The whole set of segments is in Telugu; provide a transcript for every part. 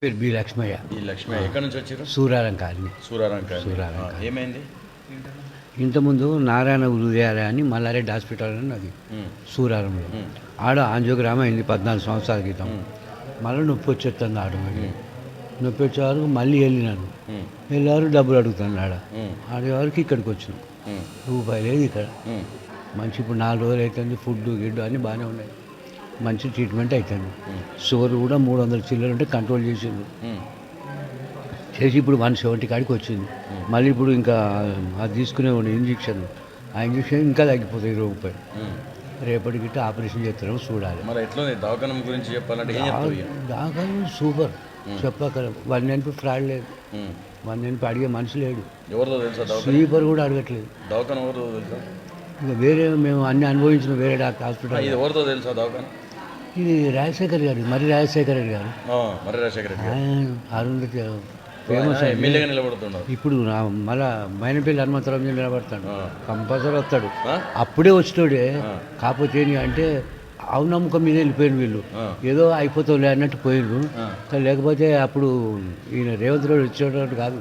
పేరు బి లక్ష్మయ్య. ఈ లక్ష్మయ్య ఎక్కడి నుంచి వచ్చారు? సూరారం కాలనీ. సూరారం ఏమైంది? ఇంతకుముందు నారాయణ హృదయాలయ అని మల్లారెడ్డి హాస్పిటల్ అని అది సూరారంలో. ఆడ ఆంజియోగ్రామ్ అయింది 14 సంవత్సరాల క్రితం. మళ్ళీ నొప్పి వచ్చేస్తుంది ఆడ. నొప్పి వచ్చే వరకు మళ్ళీ వెళ్ళినాను. వెళ్ళేవారు డబ్బులు అడుగుతున్నాడు. ఆడేవారికి ఇక్కడికి వచ్చినాం. రూపాయి లేదు ఇక్కడ. మంచి ఇప్పుడు 4 రోజులు అవుతుంది. ఫుడ్ గిడ్డు అన్నీ బాగానే ఉన్నాయి. మంచి ట్రీట్మెంట్ అవుతుంది. షుగర్ కూడా 300 చిల్లర ఉంటే కంట్రోల్ చేసిండు. చేసి ఇప్పుడు 170 కాడికి వచ్చింది. మళ్ళీ ఇప్పుడు ఇంకా అది తీసుకునే ఇంజక్షన్. ఆ ఇంజక్షన్ ఇంకా తగ్గిపోతుంది 20 రూపాయలు. రేపటికి గిట్ట ఆపరేషన్ చేస్తున్నాం, చూడాలి. మరి ఎట్లా దవాఖానం గురించి చెప్పాలంటే దవాఖానం సూపర్. చెప్పక 1 NP ఫ్రాడ్ లేదు. 1 NP అడిగే మనిషి లేడు. ఎవరిదో తెలుసా? స్లీపర్ కూడా అడగట్లేదు. దవాఖాన ఎవరిదో తెలుసా? ఇంకా వేరే మేము అన్ని అనుభవించిన వేరే డాక్టర్ హాస్పిటల్. ఇది ఎవరిదో తెలుసా దవాఖాన? ఇది రాజశేఖర్ గారు, మరి రాజశేఖర్ రెడ్డి గారు. మరి రాజశేఖర్ రెడ్డి అరుంధతి ఫేమస్ ఎమ్మెల్యేగా నిలబడుతున్నాడు. ఇప్పుడు మళ్ళా మైనపల్లి హనుమంతరావు నిలబడతాడు. కంపల్సరీ వస్తాడు. అప్పుడే వచ్చినోడే. కాకపోతే ఏంటి అంటే అవునమ్మకం మీద వెళ్ళిపోయిన వీళ్ళు. ఏదో అయిపోతావులే అన్నట్టు పోయిండ్రు. లేకపోతే అప్పుడు ఈయన రేవంత్ రెడ్డి వచ్చేటట్టు కాదు.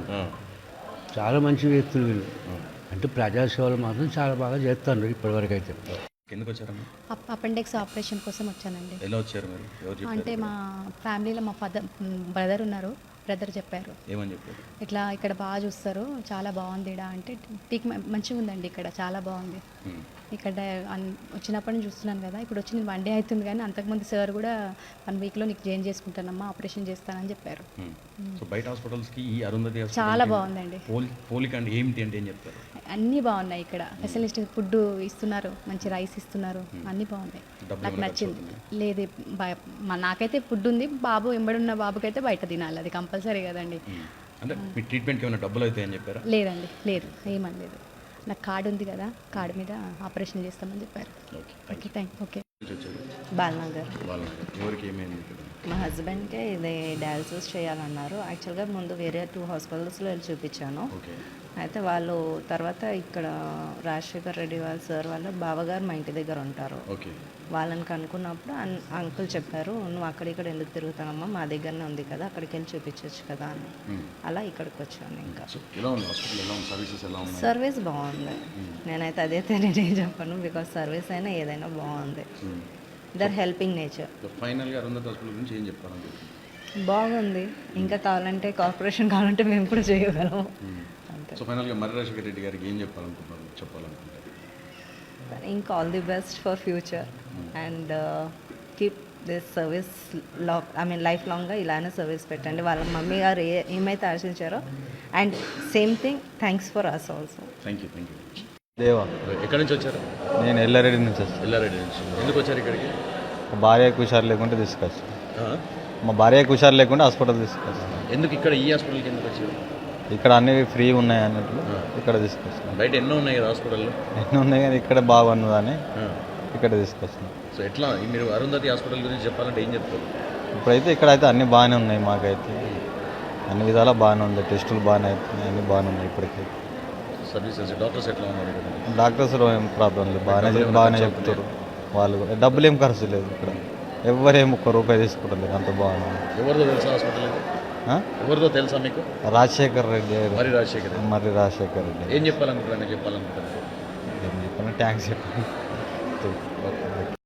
చాలా మంచి వ్యక్తులు వీళ్ళు. అంటే ప్రజాసేవలు మాత్రం చాలా బాగా చేస్తాను ఇప్పటివరకు అయితే. ఎందుకు వచ్చారమ్మా? అపెండిక్స్ ఆపరేషన్ కోసం వచ్చానండి. ఎలా వచ్చారు మీరు? అంటే మా ఫ్యామిలీలో మా బ్రదర్ ఉన్నారు. బ్రదర్ చెప్పారు. ఏమని చెప్పారు? ఇట్లా ఇక్కడ బాగా చూస్తారు, చాలా బాగుంది ఇక్కడ అంటే. టీక్ మంచిగా ఉందండి ఇక్కడ, చాలా బాగుంది. ఇక్కడ వచ్చినప్పటి నుంచి చూస్తున్నాను కదా. ఇప్పుడు వచ్చి నేను 1 డే అవుతుంది, కానీ అంతకుముందు సార్ కూడా 1 వీక్లో నీకు జాయిన్ చేసుకుంటానమ్మా, ఆపరేషన్ చేస్తానని చెప్పారు. సో బయట హాస్పిటల్స్కి ఈ అరుంధతి చాలా బాగుందండి. పోలిక అంటే ఏమిటి అంటే ఏం చెప్తారు? అన్నీ బాగున్నాయి ఇక్కడ. స్పెషలిస్ట్ ఫుడ్ ఇస్తున్నారు, మంచి రైస్ ఇస్తున్నారు, అన్నీ బాగున్నాయి. నాకు నచ్చింది. లేదు నాకైతే ఫుడ్ ఉంది. బాబు ఎంబడున్న బాబుకైతే బయట తినాలి, అది కంపల్సరీ కదండి. అంటే మీ ట్రీట్మెంట్కి ఏమైనా డబ్బులు అవుతాయని చెప్పారా? లేదండి, లేదు, ఏమని లేదు. నాకు కార్డు ఉంది కదా, కార్డు మీద ఆపరేషన్ చేస్తామని చెప్పారు. Okay thank you. Okay. Balanagar. ఎవరికి ఏమైంది? మా హస్బెండ్కే ఇది డయాలసిస్ చేయాలన్నారు. యాక్చువల్గా ముందు వేరే 2 హాస్పిటల్స్లో వెళ్ళి చూపించాను. అయితే వాళ్ళు తర్వాత ఇక్కడ రాజశేఖర్ రెడ్డి వాళ్ళ సార్ వాళ్ళ బావగారు మా ఇంటి దగ్గర ఉంటారు. వాళ్ళని కనుక్కున్నప్పుడు అంకుల్ చెప్పారు, నువ్వు అక్కడిక్కడ ఎందుకు తిరుగుతానమ్మా, మా దగ్గరనే ఉంది కదా, అక్కడికి వెళ్ళి చూపించవచ్చు కదా అని. అలా ఇక్కడికి వచ్చాను. ఇంకా సర్వీస్ బాగుంది. నేనైతే అదైతే నేనేం చెప్పను, బికాస్ సర్వీస్ అయినా ఏదైనా బాగుంది. Their helping nature. బాగుంది. ఇంకా కావాలంటే కార్పొరేషన్ కావాలంటే మేము కూడా చేయగలము. సో ఫైనల్గా మరి రాజశేఖర్ రెడ్డి గారికి ఏం చెప్పాలనుకుంటారు? ఇంకా all the best for future and keep this service life లాంగ్గా ఇలానే సర్వీస్ పెట్టండి. వాళ్ళ మమ్మీ గారు ఏమైతే ఆశించారో, and same thing thanks for us also. Thank you. Deva. ఎక్కడి నుంచి వచ్చారు? నేను ఎల్లారెడ్డి నుంచి వచ్చాను. ఎల్లారెడ్డి నుంచి ఎందుకు వచ్చారు ఇక్కడికి? మా భార్యకు హుషారు లేకుంటే తీసుకొచ్చి మా భార్యకు హుషారు లేకుంటే హాస్పిటల్ తీసుకొచ్చాను. ఎందుకు ఇక్కడ ఈ హాస్పిటల్కి ఎందుకు వచ్చారు? ఇక్కడ అన్ని ఫ్రీ ఉన్నాయి అన్నట్లు ఇక్కడ తీసుకొచ్చాను. బయట ఎన్నో ఉన్నాయి కదా హాస్పిటల్లో? ఎన్నో ఉన్నాయి కానీ ఇక్కడ బాగున్నదని ఇక్కడ తీసుకొచ్చాను. సో ఎట్లా మీరు అరుంధతి హాస్పిటల్ గురించి చెప్పాలంటే ఏం చెప్తారు? ఇప్పుడైతే ఇక్కడైతే అన్నీ బాగానే ఉన్నాయి. మాకైతే అన్ని విధాలా బాగానే ఉంది. టెస్టులు బాగానే అవుతున్నాయి, అన్నీ బాగానే ఉన్నాయి. ఇప్పటికీ సర్వీసెస్ డాక్టర్స్ ఎట్లా ఉన్నారు? డాక్టర్స్ ఏం ప్రాబ్లం లేదు, బాగానే చెప్తారు. వాళ్ళు డబ్బులు ఏం ఖర్చు లేదు. ఇక్కడ ఎవరేం ₹1 తీసుకుంటలేదు, అంత బాగుంది. ఎవరిదో తెలుసా హాస్పిటల్? ఎవరిదో తెలుసా మీకు? రాజశేఖర్ రెడ్డి. మరి రాజశేఖర్ రెడ్డి. ఏం చెప్పాలనుకుంటున్నాను? ఏం చెప్పాలంటే థ్యాంక్స్ చెప్పాలి.